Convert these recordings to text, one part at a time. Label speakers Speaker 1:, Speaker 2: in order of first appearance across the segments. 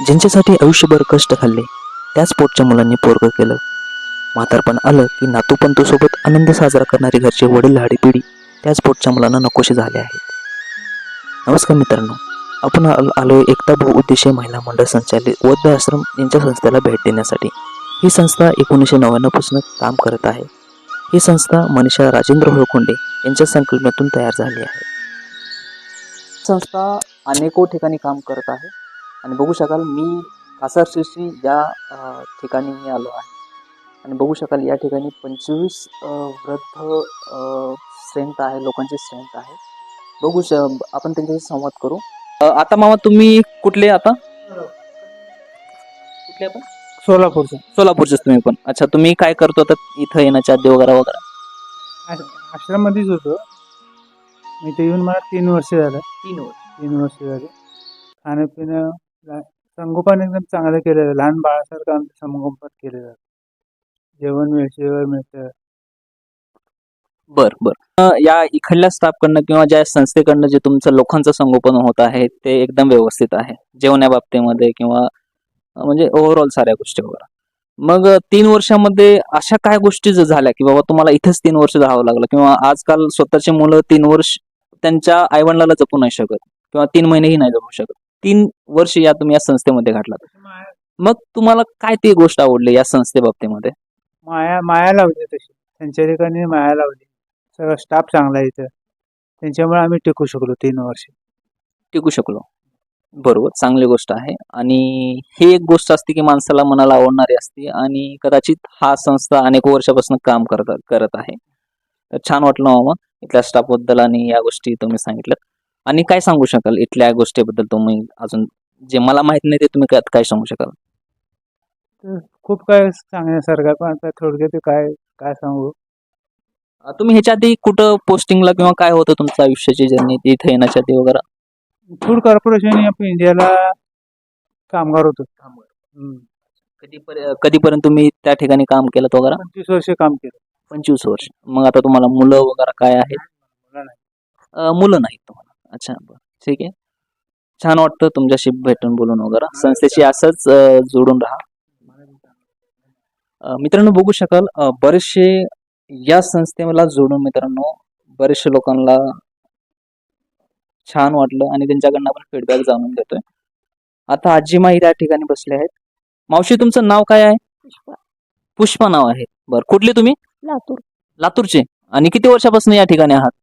Speaker 1: ज्यांच्यासाठी आयुष्यभर कष्ट खाल्ले त्याच पोटच्या मुलांनी पोरगं केलं. म्हातारपण आलं की नातू-पंतूसोबत आनंद साजरा करणारी घरचे वडीलधारी पिढी त्याच पोटच्या मुलांना नकोशी झाले आहेत. नमस्कार मित्रांनो, आपण आलोय एकता बहुउद्देशीय महिला मंडळ संचालित वृद्ध आश्रम यांच्या संस्थेला भेट देण्यासाठी. ही संस्था 1999 पासून काम करत आहे. ही संस्था मनीषा राजेंद्र होळकोंडे यांच्या संकल्पनेतून तयार झाली आहे. संस्था अनेको ठिकाणी काम करत आहे आणि बघू शकाल मी कासार शिरसी या ठिकाणी मी आलो आहे आणि बघू शकाल या ठिकाणी 25 वृद्ध स्ट्रेंथ आहे, लोकांची स्ट्रेंथ आहे. आपण त्यांच्याशी संवाद करू. आता मामा तुम्ही कुठले कुठले आपण सोलापूरचेच तुम्ही पण. अच्छा, तुम्ही काय करतो आता इथं येण्याच्या आधी वगैरे?
Speaker 2: आश्रम मध्येच होतो मी. इथे येऊन मला 3 वर्ष झालं. 3 वर्ष झाले. खाणं पिणं संगोपन एकदम चांगलं केलेलं. लहान बाळासारखं आमचं संगोपन केलं जातं. जेवण वेळेवर मिळतं.
Speaker 1: बर. या इकडल्या स्टाफकडनं किंवा ज्या संस्थेकडनं जे तुमचं लोकांचं संगोपन होत आहे ते एकदम व्यवस्थित आहे जेवण्या बाबतीमध्ये किंवा म्हणजे ओव्हरऑल साऱ्या गोष्टी वगैरे. मग 3 वर्षामध्ये अशा काय गोष्टी झाल्या की बाबा तुम्हाला इथेच 3 वर्ष राहावं लागलं, किंवा आजकाल स्वतःचे मुलं 3 वर्ष त्यांच्या आईवडिलाला जपू नाही शकत किंवा 3 महिनेही नाही जपू शकत. 3 वर्ष तुम्ही या संस्थेमध्ये घातलात. मग तुम्हाला काय ती गोष्ट आवडली या संस्थेबाबतीमध्ये?
Speaker 2: माया लावली तशी त्यांच्या ठिकाणी, माया लावली. सगळा स्टाफ चांगला आहे इथं. त्यांच्यामुळे आम्ही टिकू शकलो 3 वर्ष.
Speaker 1: बरोबर, चांगली गोष्ट आहे. आणि ही एक गोष्ट असते की माणसाला मनाला आवडणारी असते आणि कदाचित हा संस्था अनेक वर्षापासून काम करत आहे. तर छान वाटलं मामा इथल्या स्टाफ बद्दल आणि या गोष्टी तुम्ही सांगितलं. आणि काय सांगू शकाल इथल्या गोष्टीबद्दल? तुम्ही अजून जे मला माहित नाही ते तुम्ही काय सांगू शकाल?
Speaker 2: तर खूप काय सांगण्यासारखं आहे, पण आता थोडक्यात काय सांगू.
Speaker 1: तुम्ही ह्याच्या आधी कुठं पोस्टिंगला किंवा काय होतं तुमचं आयुष्याची जर्नी इथे येण्याच्या आधी वगैरे?
Speaker 2: फूड कॉर्पोरेशन ऑफ इंडियाला कामगार होतो.
Speaker 1: कधीपर्यंत तुम्ही त्या ठिकाणी काम केलं वगैरे?
Speaker 2: 25 वर्ष काम केलं.
Speaker 1: 25 वर्ष. मग आता तुम्हाला मुलं वगैरे काय आहेत? मुलं नाहीत तुम्हाला. अच्छा, बरं, ठीक आहे. छान वाटतं तुमच्याशी भेटून बोलून वगैरे. संस्थेशी असंच जोडून राहा. मित्रांनो बघू शकाल बरेचसे या संस्थेला जोडून मित्रांनो बरेचशे लोकांना छान वाटलं आणि त्यांच्याकडनं आपण फीडबॅक जाणून घेतोय. आता आजीमाई त्या ठिकाणी बसले आहेत. मावशी तुमचं नाव काय आहे? पुष्पा नाव आहे. बरं, कुठले तुम्ही? लातूरचे. आणि किती वर्षापासून या ठिकाणी आहात?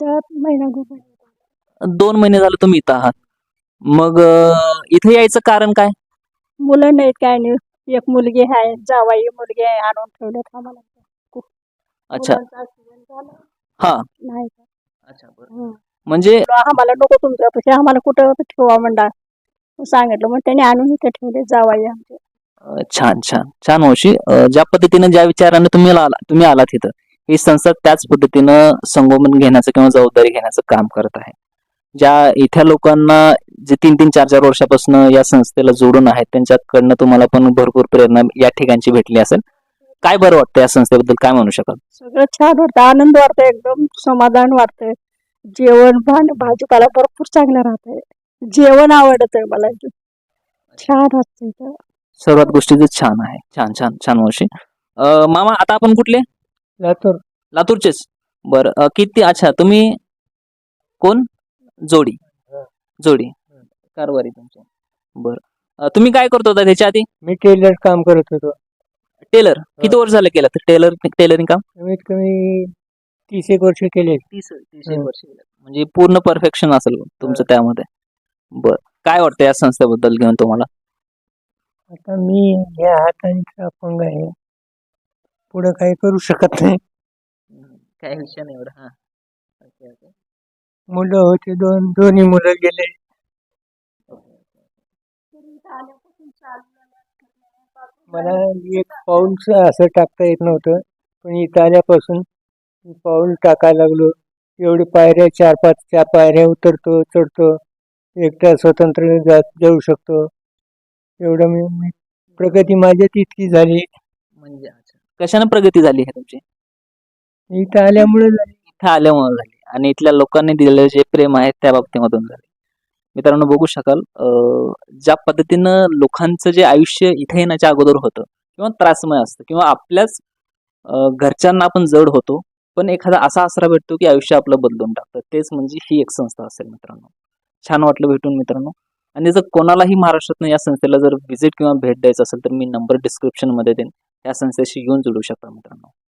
Speaker 1: 2 महिने झाले तुम्ही इथं आहात. मग इथे यायचं कारण काय?
Speaker 3: मुलं नाहीत, काय नाही. एक मुलगी आहे, जावाई मुलगी आहे, आणून ठेवल्यात आम्हाला.
Speaker 1: अच्छा.
Speaker 3: मुलांचा accident झाला.
Speaker 1: हा.
Speaker 3: नाही का?
Speaker 1: अच्छा, बरं. म्हणजे
Speaker 3: आम्हाला नको तुमच्यापाशी, आम्हाला कुठं ठेवा म्हणला सांगितलं, मग त्याने आणून इथे ठेवले जावाई आमचे.
Speaker 1: छान मावशी. ज्या पद्धतीने ज्या विचाराने तुम्ही आलात इथं, ही संस्था त्याच पद्धतीनं संगोपन घेण्याचं किंवा जबाबदारी घेण्याचं काम करत आहे. ज्या इथल्या लोकांना जे 3-3, 4-4 वर्षापासून या संस्थेला जोडून आहेत त्यांच्याकडनं तुम्हाला पण भरपूर प्रेरणा या ठिकाणची भेटली असेल. काय बरं वाटतं या संस्थेबद्दल, काय म्हणू शकाल?
Speaker 3: सगळं छान वाटतं, आनंद वाटतं, एकदम समाधान वाटतंय. जेवण भाजीपाला भरपूर चांगलं राहतंय. जेवण आवडतंय मला इथं. छान वाटतंय.
Speaker 1: सर्वात गोष्टी छान आहे. छान मावशी. मामा आता आपण कुठले? लातूरचेच. बरं, किती? अच्छा, तुम्ही कोण? जोडी कारवारी तुमची. बरं, तुम्ही काय करत होता त्याच्या आधी?
Speaker 2: मी टेलर काम करत होतो.
Speaker 1: टेलर किती वर्ष झालं केलं टेलरिंग काम?
Speaker 2: कमीत कमी 30 एक वर्ष केले.
Speaker 1: 30 वर्ष केलं. म्हणजे पूर्ण परफेक्शन असेल तुमचं त्यामध्ये. बरं, काय वाटतं या संस्थेबद्दल घेऊन तुम्हाला?
Speaker 2: आता मी या हाताने अपंग आहे, पुढे काही करू शकत नाही.
Speaker 1: काय विषय नाही एवढा.
Speaker 2: मुलं होते, दोन्ही मुलं गेले. मला एक पाऊल असं टाकता येत नव्हतं, पण इथं आल्यापासून पाऊल टाकायला लागलो. एवढे पायऱ्या 4-5 पायऱ्या उतरतो, चढतो, एकटा स्वतंत्र जाऊ शकतो. एवढं मी प्रगती माझ्यात इतकी झाली.
Speaker 1: म्हणजे कशाने प्रगती झाली आहे तुमची?
Speaker 2: इथं आल्यामुळे झाली.
Speaker 1: झाली आणि इथल्या लोकांनी दिलेलं जे प्रेम आहे त्या बाबतीमधून झाले. मित्रांनो बघू शकाल ज्या पद्धतीनं लोकांचं जे आयुष्य इथे येण्याच्या अगोदर होतं किंवा त्रासमय असतं किंवा आपल्याच घरच्यांना आपण जड होतो, पण एखादा असा आसरा भेटतो की आयुष्य आपलं बदलून टाकतं. तेच म्हणजे ही एक संस्था असेल मित्रांनो. छान वाटलं भेटून मित्रांनो. आणि जर कोणालाही महाराष्ट्रातनं या संस्थेला जर व्हिजिट किंवा भेट द्यायचं असेल तर मी नंबर डिस्क्रिप्शनमध्ये देईन. या संस्थेशी येऊन जोडू शकता मित्रांनो.